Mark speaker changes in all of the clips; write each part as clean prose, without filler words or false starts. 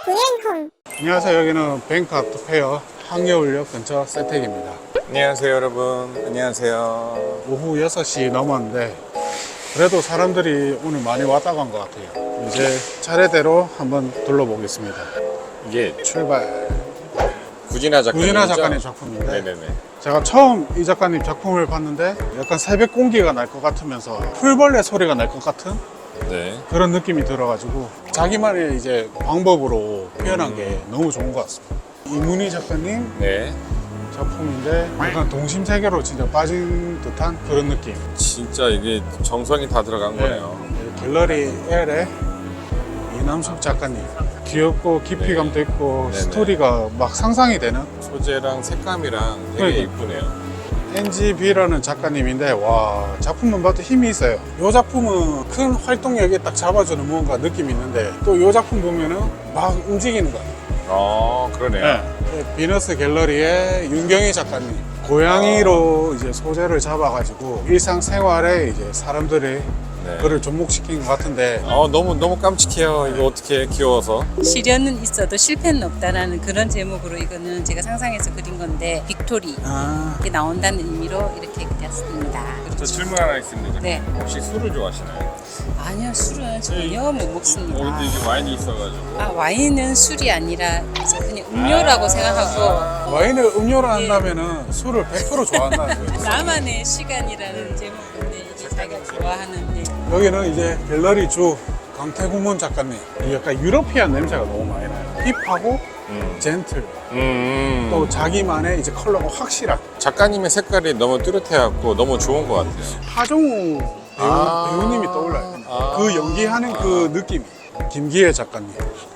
Speaker 1: 구행홈.
Speaker 2: 안녕하세요. 여기는 뱅크 아트페어 항여울역 근처 세택입니다.
Speaker 3: 안녕하세요 여러분. 안녕하세요.
Speaker 2: 오후 6시 넘었는데 그래도 사람들이 오늘 많이 왔다 간 것 같아요. 이제 차례대로 한번 둘러보겠습니다.
Speaker 3: 이게
Speaker 2: 출발.
Speaker 3: 구진아 작가님.
Speaker 2: 구진아 작가님 작품인데
Speaker 3: 네네네.
Speaker 2: 제가 처음 이 작가님 작품을 봤는데 약간 새벽 공기가 날 것 같으면서 풀벌레 소리가 날 것 같은
Speaker 3: 네.
Speaker 2: 그런 느낌이 들어가지고 자기만의 이제 방법으로 표현한 게 너무 좋은 것 같습니다. 이문희 작가님
Speaker 3: 네.
Speaker 2: 작품인데 약간 동심 세계로 진짜 빠진 듯한 그런 느낌.
Speaker 3: 진짜 이게 정성이 다 들어간 거네요.
Speaker 2: 갤러리 L의 이남숙 작가님. 귀엽고 깊이감도 있고
Speaker 3: 네네.
Speaker 2: 스토리가 막 상상이 되는
Speaker 3: 소재랑 색감이랑 되게
Speaker 2: 그러니까.
Speaker 3: 이쁘네요.
Speaker 2: NGB라는 작가님인데 와 작품만 봐도 힘이 있어요. 이 작품은 큰 활동력에 딱 잡아주는 뭔가 느낌이 있는데 또 이 작품 보면은 막 움직이는 거예요.
Speaker 3: 그러네요.
Speaker 2: 네. 비너스 갤러리의 윤경희 작가님 고양이로 이제 소재를 잡아가지고 일상생활에 이제 사람들이
Speaker 3: 네.
Speaker 2: 그를 접목시킨 것 같은데
Speaker 3: 너무 깜찍해요. 이거 어떻게 귀여워서.
Speaker 4: 시련은 있어도 실패는 없다라는 그런 제목으로 이거는 제가 상상해서 그린 건데 빅토리 이렇게 나온다는 의미로 이렇게 그렸습니다.
Speaker 3: 저 질문 하나 있습니다.
Speaker 4: 네.
Speaker 3: 혹시 술을 좋아하시나요?
Speaker 4: 아니요, 술은 전혀 못 먹습니다.
Speaker 3: 근데 이게 와인이 있어가지고.
Speaker 4: 와인은 술이 아니라 그냥 음료라고 생각하고
Speaker 2: 와인을 음료로 한다면은 술을 100% 좋아한다는 거예요.
Speaker 4: 나만의 시간이라는 제목인데 이게 자기가 좋아하는
Speaker 2: 여기는 이제 갤러리 주 강태구문 작가님 약간 유러피안 냄새가 너무 많이 나요. 힙하고 젠틀 또 자기만의 이제 컬러가 확실한
Speaker 3: 작가님의 색깔이 너무 뚜렷해갖고 너무 좋은 것 같아요.
Speaker 2: 하정우 배우님이 떠올라요. 그 연기하는 그 느낌이. 김기혜 작가님.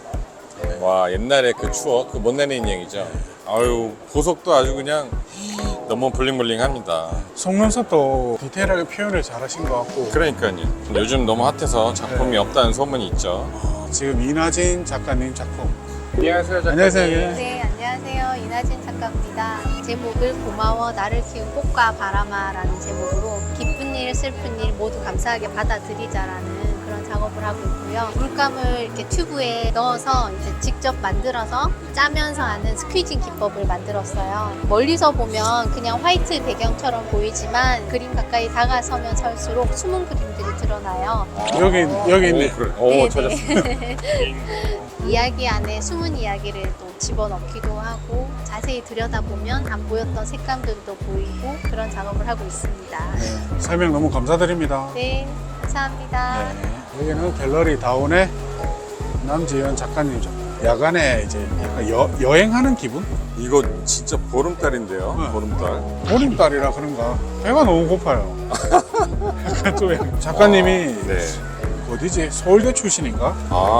Speaker 3: 와, 옛날에 그 추억, 그 못 내는 인형이죠. 아유, 보석도 아주 그냥 너무 블링블링합니다.
Speaker 2: 속눈썹도 디테일하게 표현을 잘하신 것 같고
Speaker 3: 그러니까요. 요즘 너무 핫해서 작품이 없다는 소문이 있죠.
Speaker 2: 지금 이나진 작가님 작품.
Speaker 3: 안녕하세요, 작가님.
Speaker 2: 안녕하세요.
Speaker 1: 네, 안녕하세요. 이나진 작가입니다. 제목을 고마워 나를 키운 꽃과 바람아라는 제목으로 기쁜 일, 슬픈 일 모두 감사하게 받아들이자라는 그런 작업을 하고 있고요. 물감을 이렇게 튜브에 넣어서 이제 직접 만들어서 짜면서 하는 스퀴징 기법을 만들었어요. 멀리서 보면 그냥 화이트 배경처럼 보이지만 그림 가까이 다가서면 설수록 숨은 그림들이 드러나요.
Speaker 2: 여기 있네.
Speaker 3: 그래.
Speaker 1: 네,
Speaker 3: 찾았습니다.
Speaker 1: 이야기 안에 숨은 이야기를 또 집어넣기도 하고 자세히 들여다보면 안 보였던 색감들도 보이고 그런 작업을 하고 있습니다.
Speaker 2: 설명 너무 감사드립니다.
Speaker 1: 네, 감사합니다.
Speaker 2: 여기는 갤러리 다운의 남지현 작가님 작품. 야간에 이제 약간 여행하는 기분?
Speaker 3: 이거 진짜 보름달인데요.
Speaker 2: 네.
Speaker 3: 보름달.
Speaker 2: 보름달이라 그런가 배가 너무 고파요. 약간 좀 작가님이
Speaker 3: 네.
Speaker 2: 어디지? 서울대 출신인가?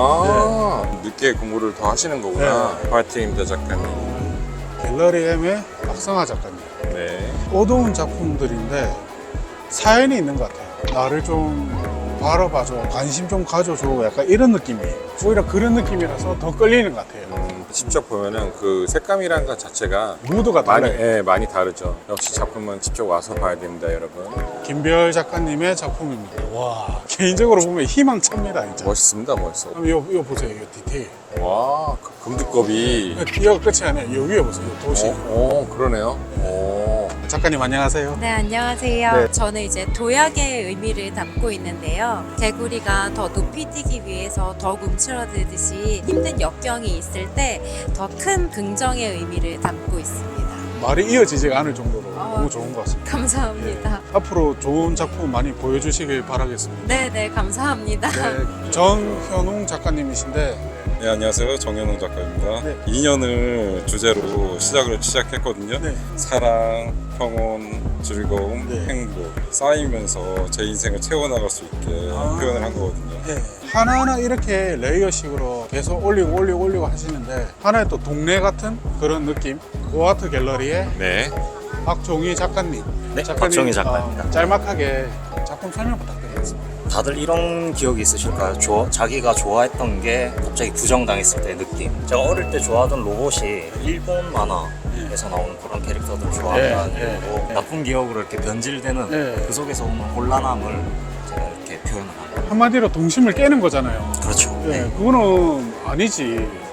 Speaker 3: 늦게 공부를 더 하시는 거구나. 파이팅입니다, 작가님.
Speaker 2: 갤러리 M의 박성아 작가님.
Speaker 3: 네.
Speaker 2: 어두운 작품들인데 사연이 있는 것 같아요. 나를 좀 바라봐줘, 관심 좀 가져줘, 약간 이런 느낌이 오히려 그런 느낌이라서 더 끌리는 것 같아요.
Speaker 3: 직접 보면은 그 색감이라는 것 자체가
Speaker 2: 무드가 달라요.
Speaker 3: 많이 다르죠. 역시 작품은 직접 와서 봐야 됩니다, 여러분.
Speaker 2: 김별 작가님의 작품입니다. 와, 개인적으로 보면 희망찹니다, 진짜.
Speaker 3: 멋있습니다, 멋있어.
Speaker 2: 그럼 이거 보세요, 이거 디테일.
Speaker 3: 와, 그 금두껍이.
Speaker 2: 이거 끝이 아니에요. 이 위에 보세요, 이 도시.
Speaker 3: 그러네요.
Speaker 2: 작가님 안녕하세요.
Speaker 5: 네, 안녕하세요.
Speaker 2: 네.
Speaker 5: 저는 이제 도약의 의미를 담고 있는데요. 개구리가 더 높이 뛰기 위해서 더욱 움츠러들듯이 힘든 역경이 있을 때 더 큰 긍정의 의미를 담고 있습니다.
Speaker 2: 말이 이어지지가 않을 정도로 너무 좋은 것 같습니다.
Speaker 5: 감사합니다.
Speaker 2: 앞으로 좋은 작품 많이 보여주시길 바라겠습니다.
Speaker 5: 네, 감사합니다.
Speaker 2: 네, 정현웅 작가님이신데
Speaker 6: 네, 안녕하세요. 정현웅 작가입니다.
Speaker 2: 네.
Speaker 6: 2년을 주제로 시작했거든요.
Speaker 2: 네.
Speaker 6: 사랑, 평온, 즐거움,
Speaker 2: 네.
Speaker 6: 행복 쌓이면서 제 인생을 채워나갈 수 있게 표현을 한 거거든요.
Speaker 2: 네. 하나하나 이렇게 레이어식으로 계속 올리고 하시는데 하나의 또 동네 같은 그런 느낌. 고아트 갤러리의
Speaker 3: 네.
Speaker 2: 박종희 작가님.
Speaker 7: 네, 박종희 작가입니다.
Speaker 2: 짤막하게 작품 설명 부탁드리겠습니다.
Speaker 7: 다들 이런 기억이 있으실까요? 자기가 좋아했던 게 갑자기 부정당했을 때의 느낌. 제가 어릴 때 좋아하던 로봇이 일본 만화에서 나오는 그런 캐릭터들을 좋아한다는 이유로 나쁜 기억으로 이렇게 변질되는 그 속에서 오는 곤란함을 제가 이렇게 표현을 합니다.
Speaker 2: 한마디로 동심을 깨는 거잖아요.
Speaker 7: 그렇죠.
Speaker 2: 네, 그거는 아니지.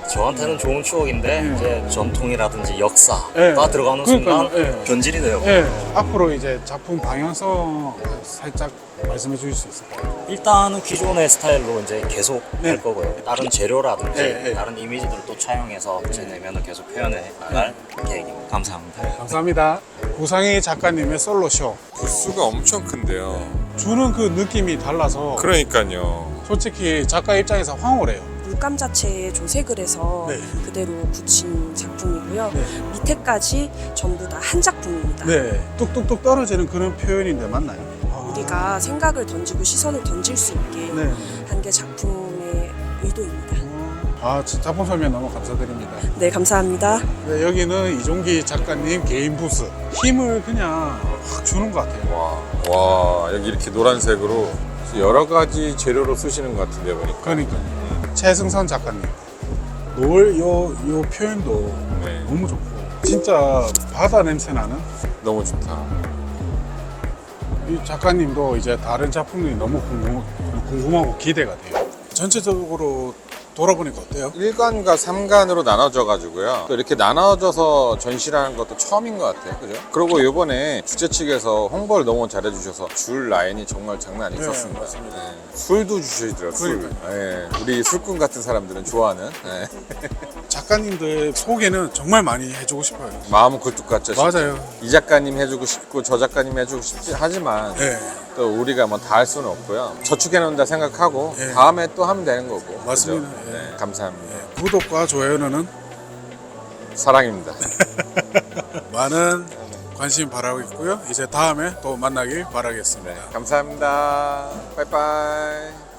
Speaker 7: 저한테는 좋은 추억인데 이제 전통이라든지 역사가
Speaker 2: 네.
Speaker 7: 들어가는
Speaker 2: 그러니까요.
Speaker 7: 순간
Speaker 2: 네.
Speaker 7: 변질이 돼요.
Speaker 2: 예, 앞으로 이제 작품 방향성 살짝 말씀해 주실 수 있을까요?
Speaker 7: 일단은 기존의 스타일로 이제 계속
Speaker 2: 네.
Speaker 7: 할 거고요. 다른 재료라든지
Speaker 2: 네, 네.
Speaker 7: 다른 이미지들을 또 차용해서 제 내면을 계속 표현해 나갈 계획입니다. 감사합니다.
Speaker 2: 감사합니다. 구상희 작가님의 솔로쇼.
Speaker 3: 부스가 엄청 큰데요.
Speaker 2: 주는 그 느낌이 달라서
Speaker 3: 그러니까요.
Speaker 2: 솔직히 작가 입장에서 황홀해요.
Speaker 8: 물감 자체에 조색을 해서
Speaker 2: 네.
Speaker 8: 그대로 붙인 작품이고요.
Speaker 2: 네.
Speaker 8: 밑에까지 전부 다 한 작품입니다.
Speaker 2: 네, 뚝뚝뚝 떨어지는 그런 표현인데 맞나요?
Speaker 8: 우리가 생각을 던지고 시선을 던질 수 있게
Speaker 2: 네.
Speaker 8: 한 게 작품의 의도입니다.
Speaker 2: 아, 작품 설명 너무 감사드립니다.
Speaker 8: 네, 감사합니다.
Speaker 2: 네, 여기는 이종기 작가님 개인 부스. 힘을 그냥 확 주는 것 같아요.
Speaker 3: 와, 여기 이렇게 노란색으로 여러 가지 재료로 쓰시는 것 같은데 보니까.
Speaker 2: 그러니까 최승선 작가님 요 표현도
Speaker 3: 네.
Speaker 2: 너무 좋고 진짜 바다 냄새 나는
Speaker 3: 너무 좋다.
Speaker 2: 이 작가님도 이제 다른 작품들이 너무 궁금하고 기대가 돼요. 전체적으로 돌아보니까 어때요?
Speaker 3: 1관과 3관으로 나눠져 가지고요. 또 이렇게 나눠져서 전시라는 것도 처음인 것 같아요. 그죠? 그리고 이번에 주최 측에서 홍보를 너무 잘해 주셔서 줄 라인이 정말 장난 아니었습니다.
Speaker 2: 맞습니다.
Speaker 3: 네. 술도 주시더라고요. 술.
Speaker 2: 그러니까요.
Speaker 3: 네. 우리 술꾼 같은 사람들은 좋아하는. 네.
Speaker 2: 작가님들 소개는 정말 많이 해주고 싶어요.
Speaker 3: 마음은 굴뚝 같죠. 진짜.
Speaker 2: 맞아요.
Speaker 3: 이 작가님 해주고 싶고 저 작가님 해주고 싶지 하지만
Speaker 2: 네,
Speaker 3: 또 우리가 뭐 다 할 수는 없고요. 저축해 놓는다 생각하고
Speaker 2: 네.
Speaker 3: 다음에 또 하면 되는 거고.
Speaker 2: 맞습니다.
Speaker 3: 그죠?
Speaker 2: 예.
Speaker 3: 네. 감사합니다.
Speaker 2: 구독과 좋아요는
Speaker 3: 사랑입니다.
Speaker 2: 많은 관심 바라고 있고요. 이제 다음에 또 만나길 바라겠습니다.
Speaker 3: 감사합니다. 빠이빠이.